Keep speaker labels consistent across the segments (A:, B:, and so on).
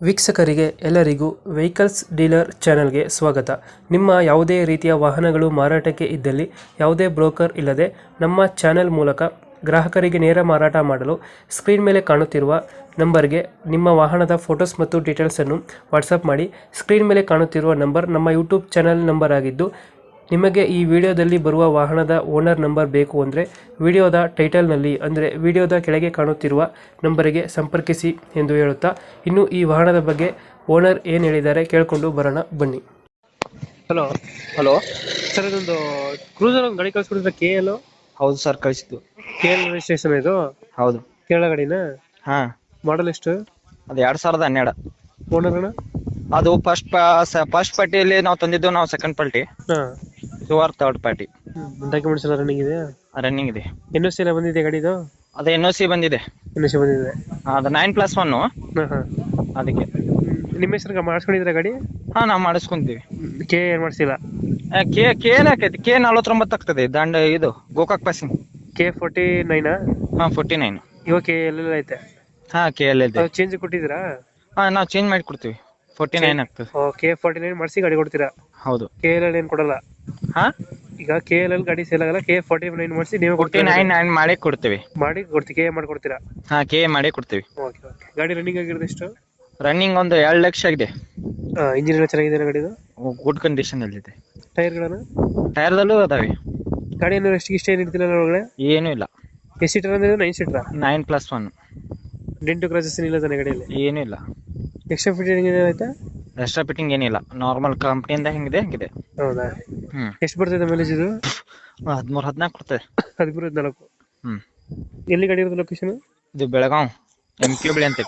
A: ವೀಕ್ಷಕರಿಗೆ ಎಲ್ಲರಿಗೂ vehicles dealer ಚಾನೆಲ್ಗೆ ಸ್ವಾಗತ. ನಿಮ್ಮ ಯಾವುದೇ ರೀತಿಯ ವಾಹನಗಳು ಮಾರಾಟಕ್ಕೆ ಇದ್ದಲ್ಲಿ ಯಾವುದೇ ಬ್ರೋಕರ್ ಇಲ್ಲದೆ ನಮ್ಮ ಚಾನೆಲ್ ಮೂಲಕ ಗ್ರಾಹಕರಿಗೆ ನೇರ ಮಾರಾಟ ಮಾಡಲು ಸ್ಕ್ರೀನ್ ಮೇಲೆ ಕಾಣುತ್ತಿರುವ ನಂಬರ್ಗೆ ನಿಮ್ಮ ವಾಹನದ ಫೋಟೋಸ್ ಮತ್ತು ಡೀಟೇಲ್ಸನ್ನು ವಾಟ್ಸಪ್ ಮಾಡಿ. ಸ್ಕ್ರೀನ್ ಮೇಲೆ ಕಾಣುತ್ತಿರುವ ನಂಬರ್ ನಮ್ಮ ಯೂಟ್ಯೂಬ್ ಚಾನೆಲ್ ನಂಬರ್ ಆಗಿದ್ದು, ನಿಮಗೆ ಈ ವಿಡಿಯೋದಲ್ಲಿ ಬರುವ ವಾಹನದ ಓನರ್ ನಂಬರ್ ಬೇಕು ಅಂದರೆ ವಿಡಿಯೋದ ಟೈಟಲ್ನಲ್ಲಿ ಅಂದರೆ ವಿಡಿಯೋದ ಕೆಳಗೆ ಕಾಣುತ್ತಿರುವ ನಂಬರಿಗೆ ಸಂಪರ್ಕಿಸಿ ಎಂದು ಹೇಳುತ್ತಾ, ಇನ್ನು ಈ ವಾಹನದ ಬಗ್ಗೆ ಓನರ್ ಏನು ಹೇಳಿದ್ದಾರೆ ಕೇಳಿಕೊಂಡು ಬರೋಣ ಬನ್ನಿ. ಹಲೋ
B: ಹಲೋ
A: ಸರ್, ಇದೊಂದು ಕ್ರೂಸರ್ ಒಂದು ಗಾಡಿ ಕಳಿಸ್ಕೊಡಿದ್ರೆ KL.
B: ಹೌದು ಸರ್, ಕಳಿಸಿದ್ದು.
A: KL ರಿಜಿಸ್ಟ್ರೇಷನ್ ಇದು?
B: ಹೌದು.
A: ಕೇರಳ ಗಾಡಿನ?
B: ಹಾ,
A: ಮಾಡಲ್ ಎಷ್ಟು?
B: ಅದು 2012.
A: ಓನರ್ ಅಣ್ಣ?
B: ಅದು ಫಸ್ಟ್ ಪಾರ್ಟಿಯಲ್ಲಿ ನಾವು ತಂದಿದ್ದು, ನಾವು ಸೆಕೆಂಡ್ ಪಾರ್ಟಿ,
A: ಹಾಂ.
B: ಇವರು ಥರ್ಡ್ ಪಾರ್ಟಿ.
A: ಡಾಕ್ಯುಮೆಂಟ್ಸ್ ಎಲ್ಲ ರನ್ನಿಂಗ್ ಇದೆ?
B: ರನ್ನಿಂಗ್ ಇದೆ.
A: NOC ಎಲ್ಲ ಬಂದಿದೆ ಗಾಡಿದು?
B: ಅದು NOC ಬಂದಿದೆ.
A: NOC ಬಂದಿದೆ.
B: ಅದು 9+1.
A: ಹಾಂ ಹಾಂ.
B: ಅದಕ್ಕೆ
A: ನಿಮ್ಮ ಹೆಸರು ಮಾಡಿಸ್ಕೊಂಡಿದ್ರೆ ಗಾಡಿ?
B: ಹಾ, ನಾವು ಮಾಡಿಸ್ಕೊಂತೀವಿ.
A: ಏನು ಮಾಡಿಸಿಲ್ಲ?
B: ಏನಾಕೈತಿ? K49 ಆಗ್ತದೆ. ದಂಡ ಇದು ಗೋಕಾಕ್ ಪಾಸಿಂಗ್.
A: K49?
B: ಹಾ, 49.
A: ಇವಾಗ KL ಐತೆ?
B: ಹಾ, KL ಇದೆ.
A: ಚೇಂಜ್ ಕೊಟ್ಟಿದ್ದೀರಾ?
B: ಹಾ, ನಾವು ಚೇಂಜ್ ಮಾಡಿ ಕೊಡ್ತೀವಿ. 49 ಆಗ್ತದೆ.
A: K49 ಮಾಡಿಸಿ ಗಾಡಿ ಕೊಡ್ತೀರಾ?
B: ಹೌದು.
A: KL ಏನು ಕೊಡಲ್ಲ?
B: ಹಾ,
A: ಈಗ KL ಗಾಡಿ ಸೇಲ್ ಆಗಲ್ಲ, K49 ಮಾಡಿಸಿ ನೀವು
B: 49 ಮಾಡಿ ಕೊಡ್ತೀವಿ.
A: ಮಾಡಿ ಕೊಡ್ತೀವಿ, KA ಮಾಡಿ ಕೊಡ್ತೀರಾ?
B: ಹಾ, KA ಮಾಡಿ ಕೊಡ್ತೀವಿ.
A: Okay okay. ಗಾಡಿ ರನ್ನಿಂಗ್ ಆಗಿರೋದು ಎಷ್ಟು?
B: ರನ್ನಿಂಗ್ ಒಂದು 2 ಲಕ್ಷ ಆಗಿದೆ.
A: ಇಂಜಿನ್ ಎಲ್ಲ ಚೆನ್ನಾಗಿದೆ ಗಾಡಿದು?
B: ಗುಡ್ ಕಂಡೀಷನ್ ಅಲ್ಲಿ ಇದೆ.
A: ಟೈರ್ಗಳನ್ನು?
B: ಟೈರ್ದಲ್ಲೂ ಅದಾವೆ.
A: ಗಾಡಿ ಏನು ಎಷ್ಟು ಇಷ್ಟ ಏನು ಇಡ್ತಿಲ್ಲ ಒಳಗಡೆ?
B: ಏನೂ ಇಲ್ಲ.
A: ಎಷ್ಟು ಸೀಟರ್ ಅಂದ್ರೆ? 9 ಸೀಟರ್?
B: 9+1.
A: ಡೆಂಟು ಕ್ರಾಸಸ್ ಇಲ್ಲ ತಾನೆ ಗಾಡಿಯಲ್ಲಿ?
B: ಏನೂ ಇಲ್ಲ.
A: ಎಕ್ಸ್ಟ್ರಾ ಫಿಟ್ಟಿಂಗ್ ಏನಾಯ್ತಾ?
B: ಎಕ್ಸ್ಟ್ರಾ ಫಿಟ್ಟಿಂಗ್ ಏನಿಲ್ಲ. ನಾರ್ಮಲ್ ಕಂಪ್ನಿಯಿಂದ ಹೆಂಗಿದೆ ಹಂಗಿದೆ.
A: ಹೌದಾ? ಎಷ್ಟು ಬರ್ತದೆ ಮೈಲೇಜ್ ಇದು?
B: 13-14 ಕೊಡ್ತದೆ.
A: 13-14.
B: ಹ್ಮ್.
A: ಎಲ್ಲಿ ಗಾಡಿ ಇರೋದು ಲೊಕೇಶನ್?
B: ಇದು ಬೆಳಗಾವ್ MK ಬಳಿ ಅಂತ.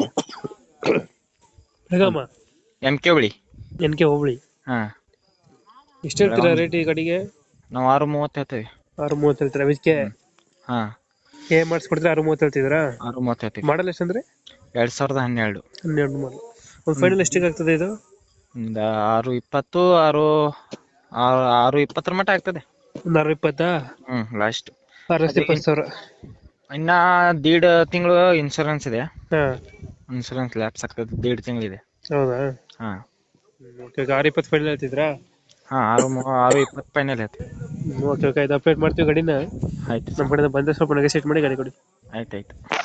A: ಬೆಳಗಾಮ
B: MK ಬಳಿ.
A: NK ಹೋಬಳಿ.
B: ಹಾ.
A: ಎಷ್ಟು ಹೇಳ್ತೀರಾ ರೇಟ್ ಈ ಗಾಡಿಗೆ?
B: ನಾವು 630 ಹೇಳ್ತೇವೆ.
A: 630 ಹೇಳ್ತೀರಾ? ಅದಕ್ಕೆ
B: ಹಾ,
A: KA ಮಾಡಿಸ್ಕೊಡ್ತೀರಾ? 630 ಹೇಳ್ತಿದ್ದೀರಾ?
B: 630 ಹೇಳ್ತೀವಿ.
A: ಮಾಡಲ್ ಎಷ್ಟಂದ್ರೆ?
B: 2012.
A: 12 ಮಾಡಲ್. ಒಂದು ಫೈನಲ್ ಎಷ್ಟಿಗೆ ಆಗ್ತದೆ ಇದು?
B: ಒಂದು 620, 620 ಮಟ್ಟ ಆಗ್ತದೆ.
A: ಒಂದು 620?
B: ಲಾಸ್ಟ್
A: 620,000.
B: ಇನ್ನ 1.5 ತಿಂಗಳು ಇನ್ಶೂರೆನ್ಸ್ ಇದೆ.
A: ಹಾಂ.
B: ಇನ್ಶೂರೆನ್ಸ್ ಲ್ಯಾಪ್ಸ್ ಆಗ್ತದೆ. 1.5 ತಿಂಗಳಿದೆ.
A: ಹೌದಾ?
B: ಹಾ.
A: ಓಕೆ. 620 ಫೈನಲ್ ಹೇಳ್ತಿದ್ರಾ?
B: ಹಾ, 620 ಫೈನಲ್ ಹೇಳ್ತೀವಿ.
A: Okay okay. ಇದು ಅಪ್ಡೇಟ್ ಮಾಡ್ತೀವಿ ಗಾಡಿನ.
B: ಆಯ್ತು.
A: ನಮ್ಮ ಕಡೆಯಿಂದ ಬಂದರೆ ಸ್ವಲ್ಪ ನೆಗೋಸಿಯೇಟ್ ಮಾಡಿ ಗಾಡಿ ಕೊಡಿ.
B: ಆಯ್ತಾಯ್ತು.